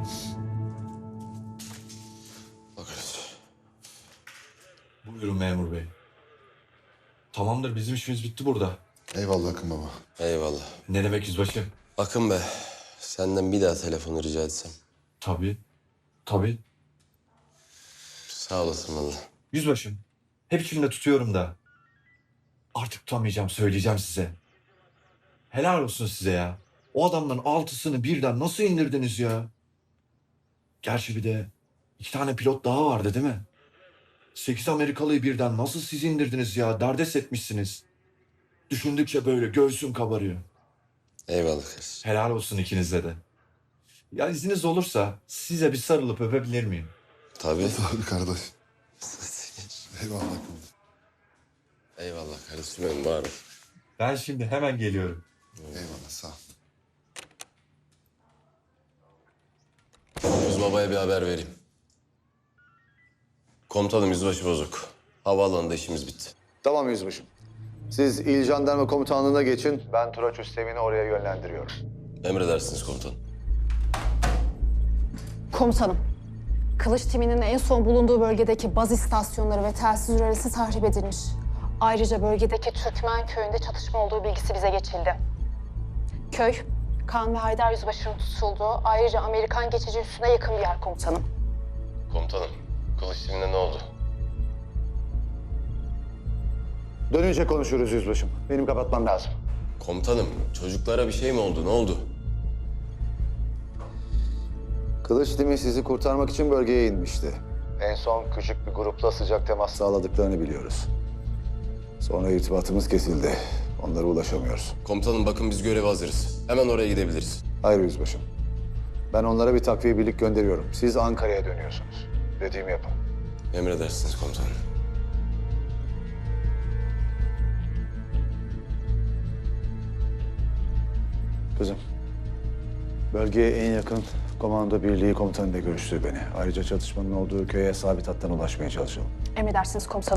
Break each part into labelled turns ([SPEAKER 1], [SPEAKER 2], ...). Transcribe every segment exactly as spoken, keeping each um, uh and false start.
[SPEAKER 1] Bakarız.
[SPEAKER 2] Buyurun memur bey. Tamamdır, bizim işimiz bitti burada.
[SPEAKER 3] Eyvallah Akın baba.
[SPEAKER 1] Eyvallah.
[SPEAKER 2] Ne demek yüzbaşım?
[SPEAKER 1] Akın be, senden bir daha telefonu rica etsem.
[SPEAKER 2] Tabii. Tabii.
[SPEAKER 1] Sağ olasın vallahi.
[SPEAKER 2] Yüzbaşım. Hep içimde tutuyorum da. Artık tutamayacağım, söyleyeceğim size. Helal olsun size ya. O adamdan altısını birden nasıl indirdiniz ya? Gerçi bir de iki tane pilot daha vardı değil mi? Sekiz Amerikalıyı birden nasıl siz indirdiniz ya? Derdest etmişsiniz. Düşündükçe böyle göğsüm kabarıyor.
[SPEAKER 1] Eyvallah kardeşim.
[SPEAKER 2] Helal olsun ikinize de. Ya izniniz olursa size bir sarılıp öpebilir miyim?
[SPEAKER 1] Tabii.
[SPEAKER 3] Tabii kardeş. Eyvallah Akın baba.
[SPEAKER 1] Eyvallah kardeşim benim, var ol.
[SPEAKER 2] Ben şimdi hemen geliyorum.
[SPEAKER 3] Eyvallah sağ ol.
[SPEAKER 1] Yüz babaya bir haber vereyim. Komutanım yüzbaşı bozuk. Havaalanında işimiz bitti.
[SPEAKER 4] Tamam yüzbaşım. Siz İl Jandarma Komutanlığı'na geçin. Ben Turaç Üsteğmen'i oraya yönlendiriyorum.
[SPEAKER 1] Emredersiniz komutanım.
[SPEAKER 5] Komutanım, Kılıç timinin en son bulunduğu bölgedeki baz istasyonları ve telsiz ürelisi tahrip edilmiş. Ayrıca bölgedeki Türkmen köyünde çatışma olduğu bilgisi bize geçildi. Köy, Kaan ve Haydar Yüzbaşı'nın tutulduğu, ayrıca Amerikan geçici üssüne yakın bir yer komutanım.
[SPEAKER 1] Komutanım, kılıç timine ne oldu?
[SPEAKER 4] Dönünce konuşuruz yüzbaşım. Benim kapatmam lazım.
[SPEAKER 1] Komutanım, çocuklara bir şey mi oldu? Ne oldu?
[SPEAKER 4] Kılıç timi sizi kurtarmak için bölgeye inmişti. En son küçük bir grupla sıcak temas sağladıklarını biliyoruz. Sonra irtibatımız kesildi. Onlara ulaşamıyoruz.
[SPEAKER 1] Komutanım bakın biz göreve hazırız. Hemen oraya gidebiliriz.
[SPEAKER 4] Hayır yüzbaşım. Ben onlara bir takviye birlik gönderiyorum. Siz Ankara'ya dönüyorsunuz. Dediğimi yapın.
[SPEAKER 1] Emredersiniz komutanım.
[SPEAKER 4] Kızım, bölgeye en yakın komando birliği komutanıyla görüştü beni. Ayrıca çatışmanın olduğu köye sabit hattan ulaşmaya çalışalım.
[SPEAKER 5] Emredersiniz komutanım.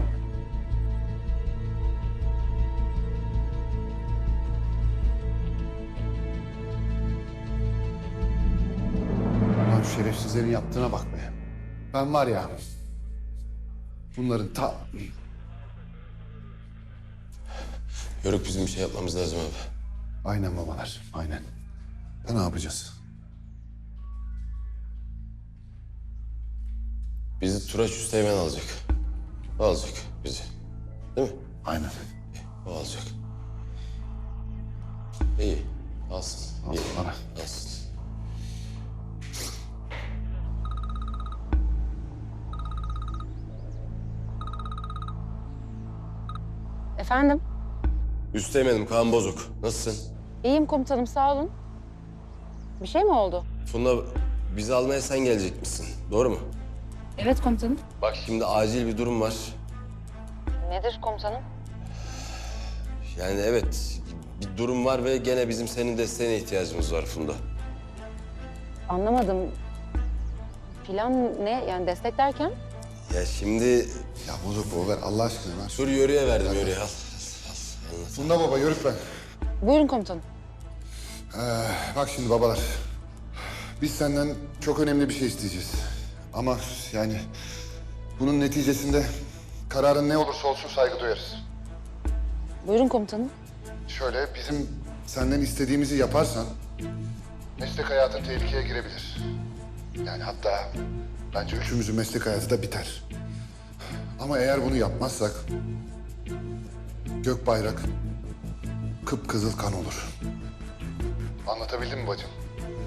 [SPEAKER 3] Lan şu şerefsizlerin yaptığına bak be. Ben var ya... Bunların ta...
[SPEAKER 1] Yörük bizim bir şey yapmamız lazım abi.
[SPEAKER 3] Aynen babalar, aynen. Ya ne yapacağız?
[SPEAKER 1] Bizi Turaç Üsteğmen alacak. O alacak bizi. Değil mi?
[SPEAKER 3] Aynen.
[SPEAKER 1] O alacak. İyi. Alsın.
[SPEAKER 3] Al
[SPEAKER 1] İyi.
[SPEAKER 3] bana.
[SPEAKER 1] Alsın.
[SPEAKER 6] Efendim?
[SPEAKER 1] Üsteğmenim Kaan Bozuk. Nasılsın?
[SPEAKER 6] İyiyim komutanım, sağ olun. Bir şey mi oldu?
[SPEAKER 1] Funda bizi almaya sen gelecekmişsin. Doğru mu?
[SPEAKER 6] Evet komutanım.
[SPEAKER 1] Bak şimdi acil bir durum var.
[SPEAKER 6] Nedir komutanım?
[SPEAKER 1] Yani evet bir durum var ve gene bizim senin desteğine ihtiyacımız var Funda.
[SPEAKER 6] Anlamadım. Plan ne? Yani destek derken?
[SPEAKER 1] Ya şimdi
[SPEAKER 3] Ya bozuk bu ver Allah aşkına ver.
[SPEAKER 1] dur yörüye verdim yörüye al.
[SPEAKER 3] Funda baba yörük ben.
[SPEAKER 6] Buyurun komutanım.
[SPEAKER 3] Ee, bak şimdi babalar. Biz senden çok önemli bir şey isteyeceğiz. Ama yani bunun neticesinde kararın ne olursa olsun saygı duyarız.
[SPEAKER 6] Buyurun komutanım.
[SPEAKER 3] Şöyle bizim senden istediğimizi yaparsan meslek hayatın tehlikeye girebilir. Yani hatta bence üçümüzün meslek hayatı da biter. Ama eğer bunu yapmazsak gök bayrak kıpkızıl kan olur. Anlatabildim mi bacım?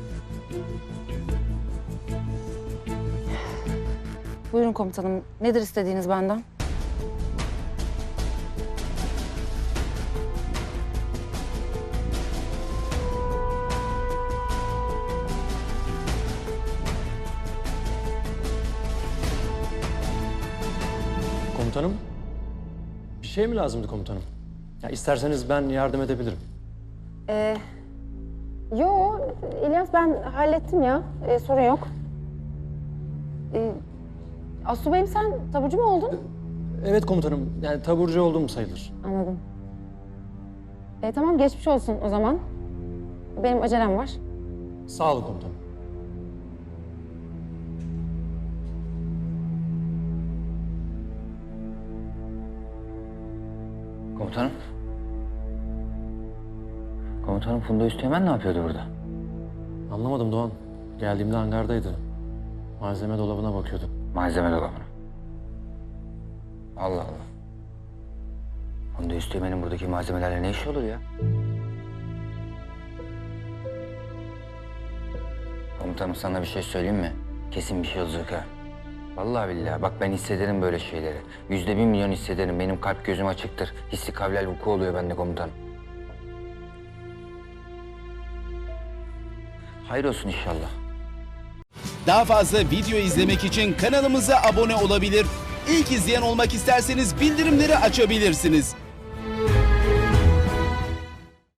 [SPEAKER 6] Buyurun komutanım. Nedir istediğiniz benden?
[SPEAKER 7] Komutanım, bir şey mi lazımdı komutanım? Ya isterseniz ben yardım edebilirim.
[SPEAKER 6] Ee, yo, İlyas ben hallettim ya. Ee, sorun yok. Ee, Asubayım sen taburcu mu oldun?
[SPEAKER 7] Evet komutanım, yani taburcu olduğum sayılır.
[SPEAKER 6] Anladım. Ee, tamam geçmiş olsun o zaman. Benim acelem var.
[SPEAKER 7] Sağ olun komutanım.
[SPEAKER 8] Komutanım. Komutanım Funda Üsteğmen ne yapıyordu burada?
[SPEAKER 7] Anlamadım Doğan. Geldiğimde hangardaydı. Malzeme dolabına bakıyordu.
[SPEAKER 8] Malzeme dolabına. Allah Allah. Funda Üsteğmen'in buradaki malzemelerle ne işi olur ya? Komutanım sana bir şey söyleyeyim mi? Kesin bir şey olacak ha. Vallahi billahi bak ben hissederim böyle şeyleri. Yüzde bir milyon hissederim. Benim kalp gözüm açıktır. Hissi kavlel vuku oluyor bende komutanım. Hayır olsun inşallah.
[SPEAKER 9] Daha fazla video izlemek için kanalımıza abone olabilir. İlk izleyen olmak isterseniz bildirimleri açabilirsiniz.